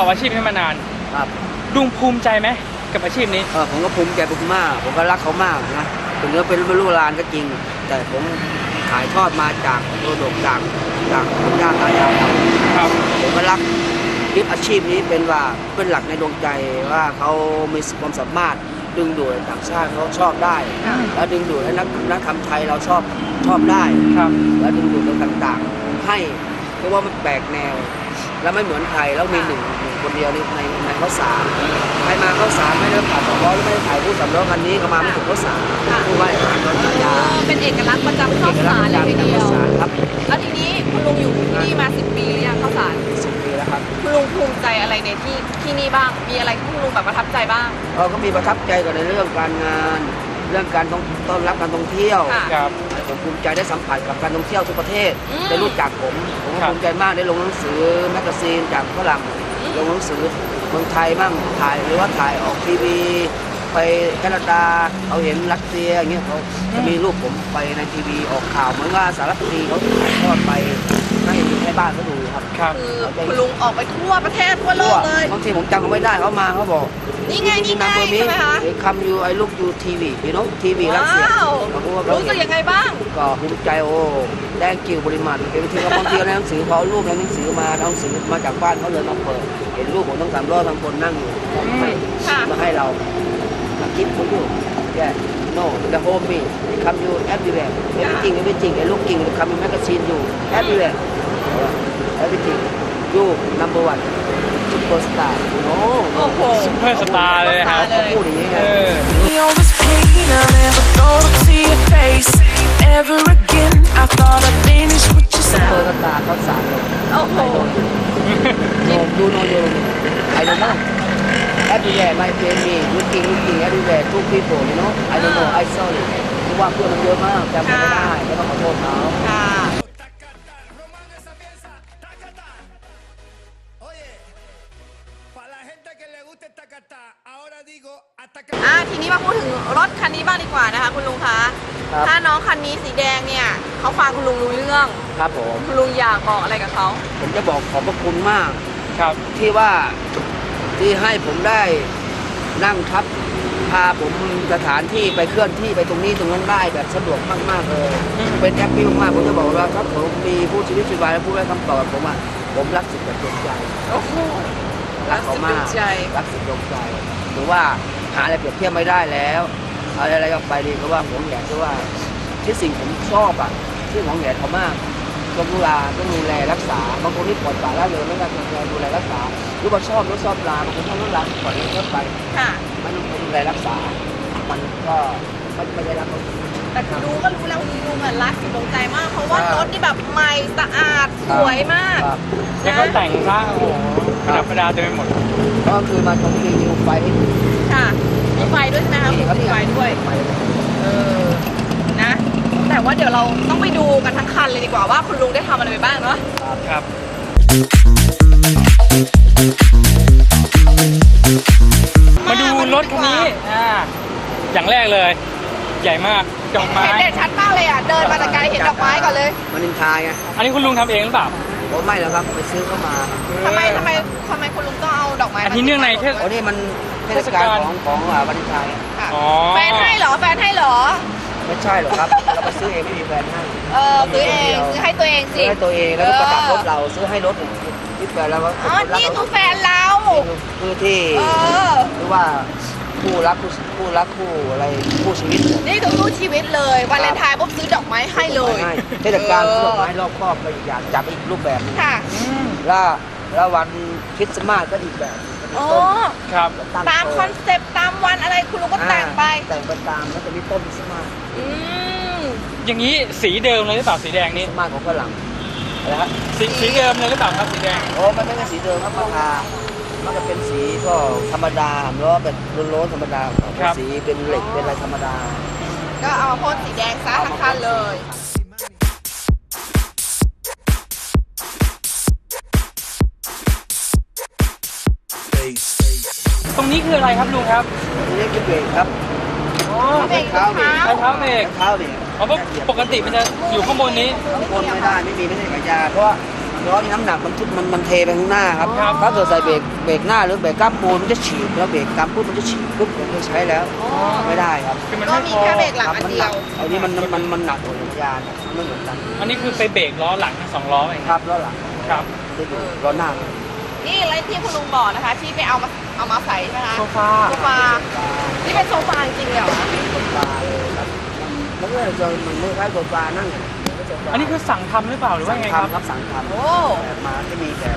อาชีพนี้มานานครับลุงภูมิใจไหมกับอาชีพนี้ผมก็ภูมิใจมากผมก็รักเขามากนะถึงจะเป็นลูกหลานก็จริงแต่ผมถ่ายทอดมาจากโดดกจากคุณย่าตายายครับผมก็รักยึดอาชีพนี้เป็นหลักในดวงใจว่าเขามีความสามารถดึงดูดต่างชาติเขาชอบได้แล้วดึงดูดให้นักทำไทยเราชอบได้แล้วดึงดูดต่างๆให้เพราะว่ามันแปลกแนวแล้วไม่เหมือนใครแล้วมีหนึ่งคนเดียวในข้าวสารใครมาข้าวสารไม่ได้ผ่านสองล้อหรือไม่ได้ถ่ายผู้สำล้อคันนี้ก็มาไม่ถึงข้าวสารผู้ว่าอย่างนั้นเป็นเอกลักษณ์ประจำข้าวสารเลยทีเดียวครับแล้วทีนี้คุณลุงอยู่ที่นี่มา10 ปีหรือยังข้าวสาร 10 ปีแล้วครับคุณลุงภูมิใจอะไรในที่นี่บ้างมีอะไรที่คุณลุงแบบประทับใจบ้างก็มีประทับใจก่อนในเรื่องการงานเรื่องการต้อนรับการท่องเที่ยวผมภูมิใจได้สัมผัสกับการท่องเที่ยวทุกประเทศได้รู้จักผมภูมิใจมากได้ลงหนังสือแมกกาซีนจากฝรั่งลงหนังสือเมืองไทยบ้างถ่ายหรือว่าถ่ายออกทีวีไปแคนาดาเขาเห็นรัสเซียอย่างเงี้ยเขาจะมีรูปผมไปในทีวีออกข่าวเหมือนว่าสารคดีเขาถ่ายทอดไปให้บ้านเขาดูครับคือคุณลุงออกไปทั่วประเทศทั่วโลกเลยบางทีผมจำเขาไม่ได้เขามาเขาบอกนี่ไงใช่ไหมคะคำยูไอ้ลูกยูทีวีพี่น้องทีวีรัสเซียรู้สึกยังไงบ้างก็ภูมิใจแดงกิวบริมาตรบางทีก็บางทีในหนังสือเขารูปในหนังสือมาหนังสือมาจากบ้านเขาเลยมาเปิดเห็นรูปผมต้อง3 ล้อทั้งคนนั่งอยู่มาให้เราคิดผมอยู่แค่ no the home me come you everywhere everything ไอ้ลูกกิ่งคำยูแมกกาซีนอยู่ everywhere everything you number one superstar โอ้โหซุปเปอร์สตาร์เลยครับพูดอย่างนี้ไง Ever again, I thought I'd finish what you said. ซุปเปอร์สตาร์เขาสารเลยโอ้โหดูโนโยไอ้เรื่องนั้น everywhere my friend me looking everywhere two people you know I don't know I sorry ที่ว่าเพื่อนมันเยอะมากจำไม่ได้ไม่ต้องขอโทษเขาทีนี้มาพูดถึงรถคันนี้บ้างดีกว่านะคะคุณลุงคะถ้าน้องคันนี้สีแดงเนี่ยเขาฟังคุณลุงรู้เรื่องครับผมคุณลุงอยากบอกอะไรกับเขาผมจะบอกขอบพระคุณมากครับที่ว่าที่ให้ผมได้นั่งทับพาผมสถานที่ไปเคลื่อนที่ไปตรงนี้ตรงนั้นได้แบบสะดวกมากๆเลยเป็นแอปปี้มากผมจะบอกว่าถ้าผมมีผู้ชีวิตชีวาและผู้ให้คำตอบผมว่าผมรักสุดดวงใจโอ้โหรักเขามากรักสุดดวงใจหรือว่าหาอะไรเปรียบเทียบไม่ได้แล้วอะไรออกไปดีก็ว่าผมอยากจะว่าที่สิ่งผมชอบที่ของแหนเขามากต้องดูแลรักษาบางคนที่ปล่อยปละละเลยไม่ได้ดูแลรักษาหรือว่าชอบรถชอบลาบางคนชอบรถลาปล่อยรถไปมันดูแลรักษามันก็ไม่ได้รักแต่ดูก็รู้แล้วลุงรักสุดดวงใจมากเพราะว่ารถนี่แบบใหม่สะอาดสวยมากแล้วก็แต่งซะโอ้โหประดับประดาเต็มไปหมดก็คือมาชมรีวิวไฟให้ดูค่ะมีไฟด้วยใช่ไหมคะมีไฟด้วยนะแต่ว่าเดี๋ยวเราต้องไปดูกันทั้งคันเลยดีกว่าว่าคุณลุงได้ทำอะไรไปบ้างเนาะครับมาดูรถคันนี้อย่างแรกเลยใหญ่มากดอกไม้เห็นชัดมากเลยเดินมาแต่ไกลเห็นดอกไม้ก่อนเลยมันนินทาไงอันนี้คุณลุงทำเองหรือเปล่าผมไม่หรอกครับไปซื้อเข้ามาทำไมคุณลุงต้องเอาดอกไม้อันนี้เนื่องในนี่มันเทศกาลของวันนินทาแฟนให้เหรอไม่ใช่หรอกครับเราไปซื้อเองไม่มีแฟนให้ซื้อเองซื้อให้ตัวเองสิให้ตัวเองแล้วก็ประดับรถเราซื้อให้รถที่แฟนเรานี่คือแฟนเราคือที่หรือว่าคู่รักคู่อะไรคู่ชีวิตนี่คือคู่ชีวิตเลยวาเลนไทน์ปุ๊บซื้อดอกไม้ให้เลยเทศกาลซื้อดอกไม้รอบครอบไปอีกอย่างจับอีกรูปแบบค่ะแล้ววันคริสต์มาสก็อีกแบบครับตามคอนเซปต์ตามวันอะไรคุณลุงก็แต่งไปตามแล้วจะมีต้นคริสต์มาสอย่างนี้สีเดิมเลยหรือเปล่าสีแดงนี้มาของฝรั่งอะไรครับสีเดิมเลยหรือเปล่าครับสีแดงมันไม่ใช่สีเดิมครับมันจะเป็นสีก็ธรรมดาหรือว่าแบบโล้นธรรมดาสีเป็นเหล็กเป็นอะไรธรรมดาก็เอาพ่นสีแดงซะทั้งคันเลยตรงนี้คืออะไรครับลุงครับตรงนี้คือเบรกครับเบรกเท้าเบรกเพราะปกติมันจะอยู่ข้างบนนี้ข้างบนไม่ได้ไม่ใช่ขายยาเพราะเวล้อมีน้ำหนักมันเทไปข้างหน้าครับครับถ้าเกิดใส่เบรกหน้าหรือเบรกกล้ามปูนมันจะฉีกแล้วเบรกกล้ามปูนมันจะฉีกปุ๊บผมไม่ใช้แล้วไม่ได้ครับคือมันก็ไม่มีพอแค่เบรกหลังครับอันมันเดีหยนัวกอันนี้มันหนักกว่าจักรยานไม่เหมือนกันอันนี้คือไปเบรกล้อหลังสองล้อเองครับล้อหลังครับจะอยู่ล้อหน้านี่อะไรที่คุณลุงบอกนะคะ ที่ไปเอามาใส่ใช่ไหมคะโซฟาโซฟานี่เป็นโซฟาจริงๆเหรอคะโซฟาเลยครับแล้วก็จะมันไม่คล้ายโซฟานั่งอันนี้คือสั่งทำหรือเปล่าหรือว่าสั่งไงครับทำครับสั่งทำโอ้แบบมาที่มีแบบ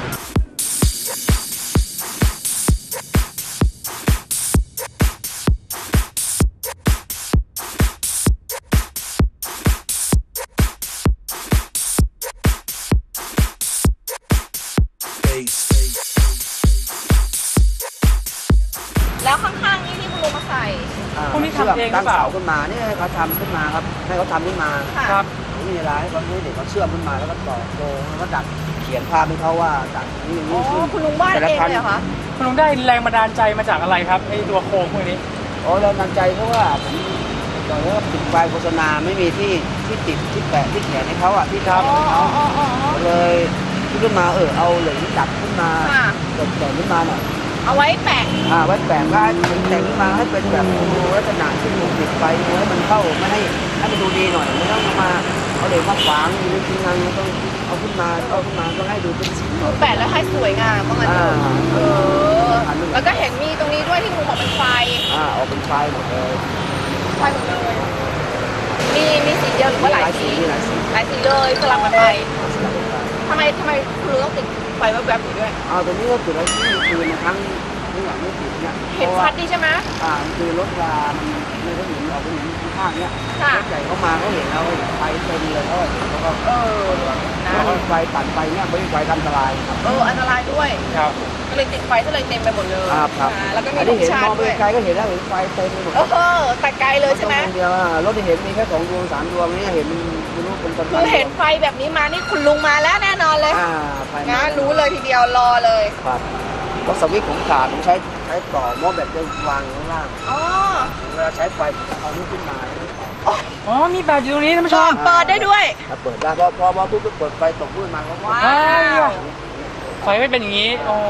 แล้วข้างๆนี่ที่คุณลุงมาใส่พวกนี้ทำเองหรือเปล่าตั้งเสาขึ้นมาเนี่ยเขาทำขึ้นมาครับให้เขาทำขึ้นมาค่ะครับไม่มีอะไรเขาเด็กเขาเชื่อมขึ้นมาแล้วก็ต่อโครงแล้วก็ดัดเขียนภาพให้เขาว่าดัดนี่อย่างอ๋นี้อขึ้นคุณลุงวาดเองเลยเหรอคะคุณลุงได้แรงบันดาลใจมาจากอะไรครับไอ้ตัวโครงพวกนี้โอ้เรานำใจเพราะว่าผมตอนนี้ติดไฟโฆษณาไม่มีที่ติดที่แปะที่แขนให้เขาอ่ะที่ครับทำให้เขาอ๋อเลยคิดขึ้นมาเอาเหลืองดัดขึ้นมาค่ะแต่งขึ้นมาหน่อยเอาไว้แปะไว้แปะก็แต่งขึ้นมาให้เป็นแบบดูลักษณะที่มันติดไฟให้มันเข้าไม่ให้มันดูดีหน่อยไม่ต้องมาเอาเหล็กมาขวางอยู่ในทีงานต้องเอาขึ้นมาต้องให้ดูเป็นสีหน่อยแปะแล้วให้สวยงามว่างั้นเถอะเอออันนี้แล้วก็เห็นมีตรงนี้ด้วยที่คุณลุงบอกเป็นไฟออกเป็นไฟหมดเลยไฟหมดเลย มีสีเดียวหรือว่าหลายสีมีหลายสีหลายสีเลยสลับกันไปทำไมคุณลุงต้องติดไฟแวบๆอยู่ด้วยตัวนี้ก็จุดแล้วที่คือในครั้งนี่อย่างไม่ติดเนี่ยเห็นชัดดีใช่ไหมคือรถรามันไม่ได้เห็นออกไปเห็นข้างๆเนี่ยค่ะรถใหญ่เขามาเขาเห็นแล้วไฟเต็มเลยเขาก็เออนะไฟปั่นไฟเนี่ยไม่ใช่ไฟอันตรายครับอันตรายด้วยครับก็เลยติดไฟก็เลยเต็มไปหมดเลยครับแล้วก็มีอันลูนี้กเห็นชามองด้วยไปไกลก็เห็นแล้วเห็นไฟเต็มไปหมดแต่ไกลเลยใช่ไหมเดียวรถที่เห็นมีแค่2 ดวง 3 ดวงนี่เห็นไม่รู้เป็นต้นคือเห็นไฟแบบนี้มานี่คุณลุงมาแล้วแน่นอนเลยไฟนะรู้เลยทีเดียวรอเลยครับเพราะสวิตช์ผมขาดผมใช้ต่อหม้อแบบจะวางอยู่ข้างล่างอ๋อเวลาใช้ไฟเอานี้ขึ้นมาอ๋อมีแบบอยู่ตรงนี้ท่านผู้ชมเปิดได้ด้วยเปิดได้พอปุ๊บก็เปิดไฟตกพื้นมาเขาว้าอ้าววไฟไม่เป็นอย่างนี้โอ้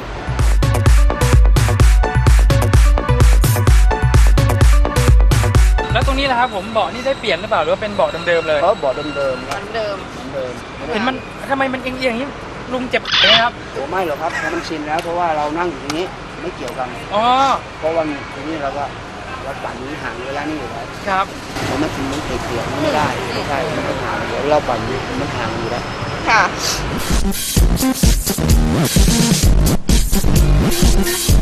แล้วตรงนี้แหละครับผมเบาะนี่ได้เปลี่ยนหรือเปล่าหรือว่าเป็นเบาะเดิมๆเลยเขาบอกเดิมเหมือนเดิมเห็นมันทำไมมันเอียงๆอย่างนี้ลุงเจ็บไหมครับโอ้ไม่หรอกครับเพราะมันชินแล้วเพราะว่าเรานั่งอยู่ตรงนี้ไม่เกี่ยวกันอ๋อเพราะวันนี้เราปั่นนี้ห่างระยะนี้อยู่แล้วครับเพราะมันชินมันติดเกี่ยวไม่ได้ไม่ใช่มันต้องห่างเดี๋ยวเราปั่นนี้มันห่างอยู่แล้วค่ะ